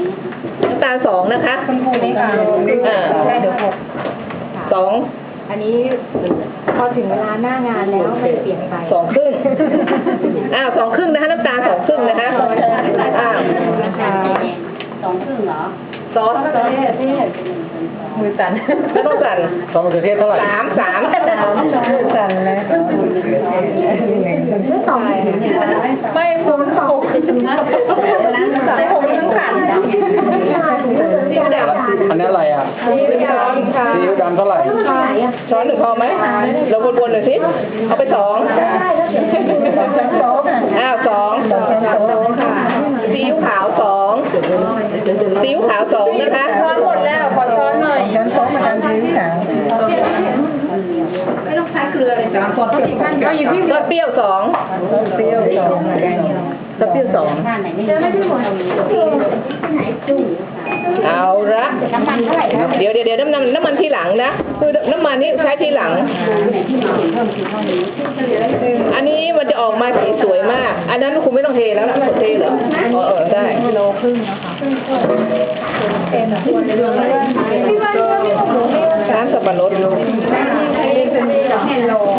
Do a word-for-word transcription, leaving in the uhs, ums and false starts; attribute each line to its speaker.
Speaker 1: น้ำตาลสองนะคะ
Speaker 2: คุณครูนี่ค่ะ
Speaker 1: อ่า
Speaker 2: ได้เดี๋ยวหก
Speaker 1: สอง
Speaker 2: อันนี้พอถึงเวลาหน้างานแล้วมันเปลี่ยนไป
Speaker 1: สองครึ่งอ้าวสองครึ่งนะคะน้ำตาลสองครึ่งนะคะอ้าว
Speaker 3: สองครึ่งเหรอ
Speaker 1: ซอส
Speaker 2: มือสั่น
Speaker 1: แล้วต้องสั่น
Speaker 4: ซอสมะเขือเทศเท่าไหร่
Speaker 1: สามสาม
Speaker 2: มือสั่นเลยสองไม่ผมสองใส่หกทั้งขัน
Speaker 1: ซีอิ๊วดำ
Speaker 4: อันนี้อะไรอ่ะ
Speaker 1: ซีอิ๊วดำค่ะ
Speaker 4: ซีอิ๊วดำเท่าไหร่
Speaker 1: ช้อนหนึ่งพอไหมเราวนๆหน่อยสิเอาไปสองอ้าวสองค่ะซีอิ๊วขาวสองซีอิ๊วขาวสองนะคะ
Speaker 2: ช้อนหมดแล้วขอช้อนหน่อยช้อนโต๊ะมาทำซีอิ๊วขาว
Speaker 1: ไม่ต้องใช้เกลือเลยจ้ะ
Speaker 2: เอาอยู่ที่
Speaker 1: รสเปรี้ยวสอง
Speaker 2: เปรี้ยวสอง
Speaker 1: รสเปรี้ยวสอง
Speaker 3: บ้านไหนไม่ได้หมดไหนจุ้ง
Speaker 1: เอาละ
Speaker 3: น้ำมันเท่าไหร่นะ
Speaker 1: เดี๋ยวเดี๋ยวเดี๋ยวน้ำมันน้ำมันทีหลังนะคือน้ำมันนี่ใช้ทีหลัง
Speaker 3: ไหนที่มาเพิ่มคือเท่านี้
Speaker 1: อันนี้มันจะออกมาสีสวยมาก อันนั้นคุณไม่ต้องเทแล้วนะเทเหรออ๋อเออได้
Speaker 2: กิโลครึ่งนะคะเป็นตัวเรืองที่ว่า
Speaker 1: น้ำสับปะรด
Speaker 2: เป็นโล